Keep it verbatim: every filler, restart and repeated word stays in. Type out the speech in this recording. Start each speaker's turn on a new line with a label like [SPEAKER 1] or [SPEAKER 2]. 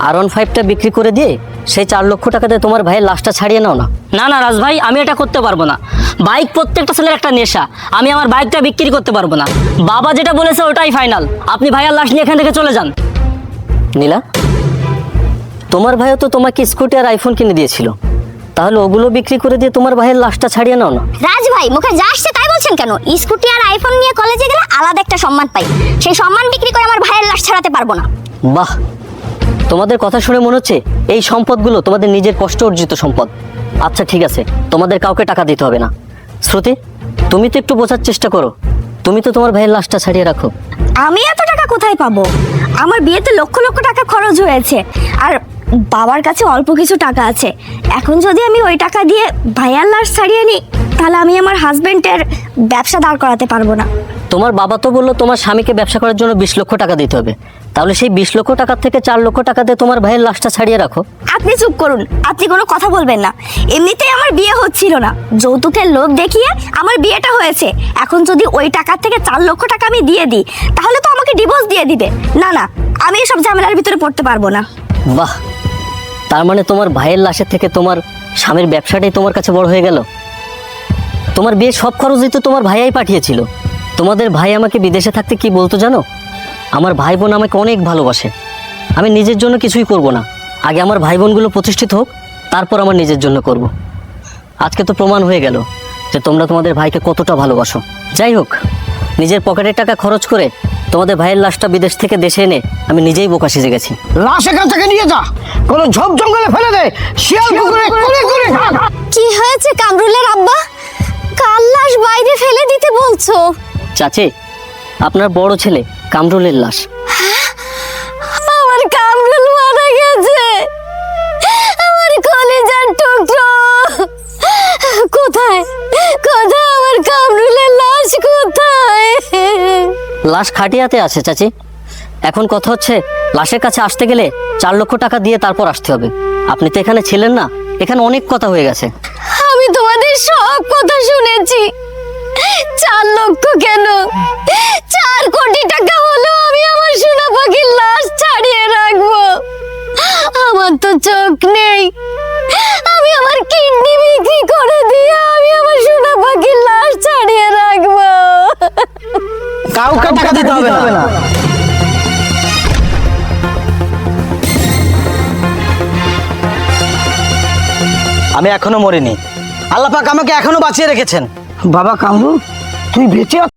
[SPEAKER 1] আর one ফাইভটা বিক্রি করে দিয়ে সেই চার লক্ষ টাকাতে তোমার ভাইয়ের লাশটা ছাড়িয়ে নাও না।
[SPEAKER 2] না না রাজ ভাই, আমি এটা করতে পারবো না। বাইক প্রত্যেকটা ছেলের একটা নেশা, আমি আমার বাইকটা বিক্রি করতে পারবো না। বাবা যেটা বলেছে ওটাই ফাইনাল। আপনি ভাইয়ার লাশ নিয়ে এখান থেকে চলে যান।
[SPEAKER 1] নীলা, তোমার ভাইও তো তোমাকে স্কুটি আর আইফোন কিনে দিয়েছিল, তাহলে ওগুলো বিক্রি করে দিয়ে তোমার ভাইয়ের লাশটা ছাড়িয়ে নাও না।
[SPEAKER 3] রাজ ভাই, মুখে যা আসছে তাই বলছেন কেন? স্কুটি আর আইফোন নিয়ে কলেজে গেলে আলাদা একটা সম্মান পাই, সেই সম্মান বিক্রি করে আমার ভাইয়ের লাশ ছাড়াতে পারবো না।
[SPEAKER 1] বাহ, তোমাদের কথা শুনে মনে হচ্ছে এই সম্পদগুলো তোমাদের নিজের কষ্ট অর্জিত সম্পদ। আচ্ছা ঠিক আছে, তোমাদের কাউকে টাকা দিতে হবে না। শ্রুতি, তুমি তো একটু বোঝার চেষ্টা করো, তুমি তো তোমার ভাইয়ের লাশটা ছাড়িয়ে রাখো।
[SPEAKER 3] আমি এত টাকা কোথায় পাবো? আমার বিয়েতে লক্ষ লক্ষ টাকা খরচ হয়েছে, আর বাবার কাছে অল্প কিছু টাকা আছে। এখন যদি আমি ওই টাকা দিয়ে ভাইয়ার লাশ ছাড়িয়ে নিই, তাহলে আমি আমার হাজবেন্ডের ব্যবসা দাঁড় করাতে পারবো না।
[SPEAKER 1] তোমার বাবা তো বললো তোমার স্বামীকে ব্যবসা করার জন্য বিশ লক্ষ টাকা দিতে হবে, তাহলে সেই বিশ লক্ষ টাকার থেকে চার লক্ষ টাকা দিয়ে তোমার ভাইয়ের লাশটা ছাড়িয়ে রাখো।
[SPEAKER 3] আপনি চুপ করুন, আপনি কোনো কথা বলবেন না। এমনিতেই আমার বিয়ে হচ্ছিল না, যৌতুকের লোভ দেখিয়ে আমার বিয়েটা হয়েছে। এখন যদি ওই টাকার থেকে চার লক্ষ টাকা আমি দিয়ে দিই, তাহলে তো আমাকে ডিভোর্স দিয়ে দিবে। না না, আমি এসব ঝামেলার ভিতরে পড়তে পারবো না।
[SPEAKER 1] বাহ, তার মানে তোমার ভাইয়ের লাশের থেকে তোমার স্বামীর ব্যবসাটাই তোমার কাছে বড় হয়ে গেল। তোমার বিয়ের সব খরচই তো তোমার ভাইয়াই পাঠিয়েছিল। তোমাদের ভাই আমাকে বিদেশে থাকতে কি বলতো জানো? আমার ভাই বোন আমাকে অনেক ভালোবাসে, আমি নিজের জন্য কিছুই করব না, আগে আমার ভাই বোনগুলো প্রতিষ্ঠিত হোক, তারপর আমার নিজের জন্য করব। আজকে তো প্রমাণ হয়ে গেল যে তোমরা তোমাদের ভাইকে কতটা ভালোবাসো। যাই হোক, নিজের পকেটের টাকা খরচ করে তোমাদের ভাইয়ের লাশটা বিদেশ থেকে দেশে এনে আমি নিজেই বোকা সেজে গেছি।
[SPEAKER 4] লাশ এখান থেকে নিয়ে যা, কোনো ঝোপ জঙ্গলে ফেলে দে, শিয়াল কুকুরে কুড়ে কুড়ে খা।
[SPEAKER 3] কি হয়েছে কামরুলের আব্বা? কাল লাশ বাইরে ফেলে দিতে বলছো?
[SPEAKER 1] চাচি, আপনার বড় ছেলে কামরুলের লাশ।
[SPEAKER 3] আমার কামরুল মারা গেছে, আমার কলিজার টুকরো। কোথায় কোথায় আমার কামরুলের লাশ কোথায়?
[SPEAKER 1] লাশ খাটিয়াতে আছে চাচি। এখন কথা হচ্ছে, লাশের কাছে আসতে গেলে চার লক্ষ টাকা দিয়ে তারপর আসতে হবে। আপনি তো এখানে ছিলেন না, এখানে অনেক কথা হয়ে গেছে।
[SPEAKER 3] আমি তোমাদের সব কথা শুনেছি। চার লক্ষ কেন, চার কোটি টাকা হলো আমি আমার সোনা পাখির লাশ ছাড়িয়ে রাখবো। আমার তো চোখ নেই, আমি আমার কিডনি বিক্রি করে দিয়ে আমি আমার সোনা পাখির লাশ ছাড়িয়ে রাখবো।
[SPEAKER 4] কাউকে টাকা দিতে হবে না। আমি এখনো মরিনি, আল্লাহ পাক আমাকে এখনো বাঁচিয়ে রেখেছেন। বাবা কামরু, তুই বেঁচে